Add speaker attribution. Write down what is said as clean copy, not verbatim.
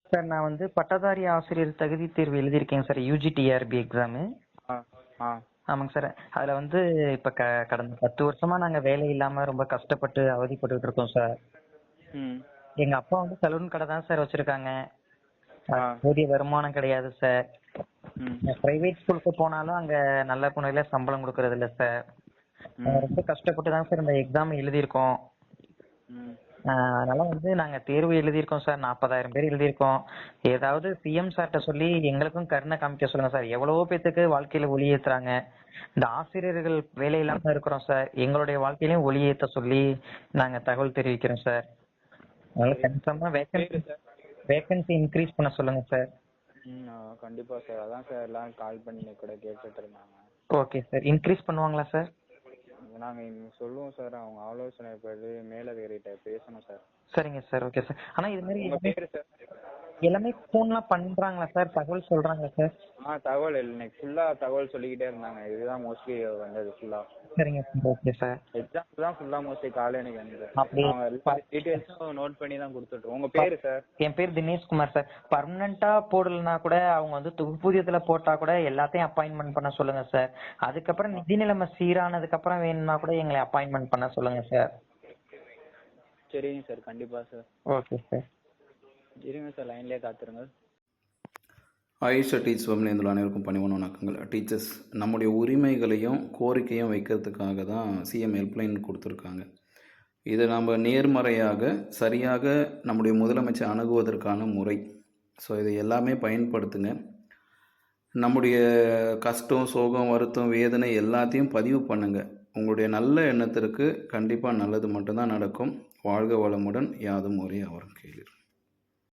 Speaker 1: Sir நான் வந்து பட்டதாரி ஆசிரியர் தகுதி தேர்வு எழுதியிருக்கேங்க சார், யூஜிடிஆர்பி எக்ஸாமு.
Speaker 2: ஆ ஆ
Speaker 1: ஆமாங்க சார். அதில் வந்து இப்போ கடந்த 10 வருஷமா நாங்கள் வேலை இல்லாமல் ரொம்ப கஷ்டப்பட்டு அவதிப்பட்டுக்கிட்டு இருக்கோம் சார்.
Speaker 2: ம்
Speaker 1: எங்கள் அப்பா வந்து சலூன் கடை தான் சார் வச்சுருக்காங்க.
Speaker 2: ஆ
Speaker 1: போதிய வருமானம் கிடையாது சார்.
Speaker 2: ம்
Speaker 1: ப்ரைவேட் ஸ்கூலுக்கு போனாலும் அங்கே நல்ல முறையில் சம்பளம் கொடுக்கறது இல்லை சார்.
Speaker 2: ம்
Speaker 1: ரொம்ப கஷ்டப்பட்டு தான் சார் இந்த எக்ஸாம் எழுதியிருக்கோம்.
Speaker 2: ம்
Speaker 1: அதனால வந்து நாங்கள் தேர்வு எழுதியிருக்கோம் சார், 40,000 பேர் எழுதியிருக்கோம். ஏதாவது சிஎம் சார்கிட்ட சொல்லி எங்களுக்கும் கருணை காமிக்க சொல்லுங்க சார். எவ்வளவோ பேத்துக்கு வாழ்க்கையில ஒளி ஏத்துறாங்க. இந்த ஆசிரியர்கள் வேலை இல்லாம இருக்கிறோம் சார். எங்களுடைய வாழ்க்கையிலையும் ஒளி ஏத்த சொல்லி நாங்க தகவல் தெரிவிக்கிறோம் சார். அதனால கன்ஃபார்மா
Speaker 2: பேரு சார்
Speaker 1: வேகன்சி இன்க்ரீஸ் பண்ண சொல்லுங்க சார்.
Speaker 2: கண்டிப்பா சார். அதான் சார் எல்லாம் கால் பண்ணி கூட கேட்டுட்டு இருந்தாங்க.
Speaker 1: Okay sir. இன்க்ரீஸ் பண்ணுவாங்களா சார்?
Speaker 2: நாங்க சொல்லுவோம் சார். அவங்க ஆலோசனை படி மேலதிகாரிகிட்ட பேசணும் சார்.
Speaker 1: சரிங்க சார். Okay sir. ஆனா இது மாதிரி
Speaker 2: உங்க பேரு சார்?
Speaker 1: எல்லாமே ஃபோன்லாம் பண்றாங்களா சார்? தகவல் சொல்றாங்களா சார்?
Speaker 2: தகவல் இன்னைக்கு ஃபுல்லா தகவல் சொல்லிக்கிட்டே இருந்தாங்க. இதுதான் மோஸ்ட்லி வந்தது ஃபுல்லா.
Speaker 1: சரிங்க சார். Okay sir.
Speaker 2: எக்ஸாம்ஸ் தான் ஃபுல்லா மோஸ்ட்லி காலையில எனக்கு வந்தது.
Speaker 1: அப்படி
Speaker 2: அவங்க எல்லா டீடைல்ஸும் நோட் பண்ணி தான் கொடுத்துட்டு. உங்க பேரு சார்?
Speaker 1: என் பேர் தினேஷ்குமார் சார். பர்மனண்டா போடலனா கூட அவங்க வந்து தொகுப்பூதியத்துல போட்டா கூட எல்லாத்தையும் அப்பாயின்மெண்ட் பண்ண சொல்லுங்க சார். அதுக்கப்புறம் நிதி நிலைமை சீரானதுக்கு அப்புறம் வேணும்னா கூட எங்களை அப்பாயின்மெண்ட் பண்ண சொல்லுங்க சார்.
Speaker 2: சரிங்க சார். கண்டிப்பா சார்.
Speaker 1: Okay sir.
Speaker 2: இருங்க சார், லைன்லேயே காத்துருங்க.
Speaker 3: ஆயுஷா டீச்சர்ஸ் வெப்ல இருந்து அனைவருக்கும் பணிவான வணக்கங்கள். டீச்சர்ஸ், நம்முடைய உரிமைகளையும் கோரிக்கையும் வைக்கிறதுக்காக தான் சிஎம் ஹெல்ப்லைன் கொடுத்துருக்காங்க. இதை நம்ம நேர்மறையாக சரியாக நம்முடைய முதலமைச்சர் அணுகுவதற்கான முறை. ஸோ இதை எல்லாமே பயன்படுத்துங்க. நம்முடைய கஷ்டம், சோகம், வருத்தம், வேதனை எல்லாத்தையும் பதிவு பண்ணுங்கள். உங்களுடைய நல்ல எண்ணத்திற்கு கண்டிப்பாக நல்லது மட்டும்தான் நடக்கும். வாழ்க வளமுடன். யாதும் ஒரே அவர் கேளீர்.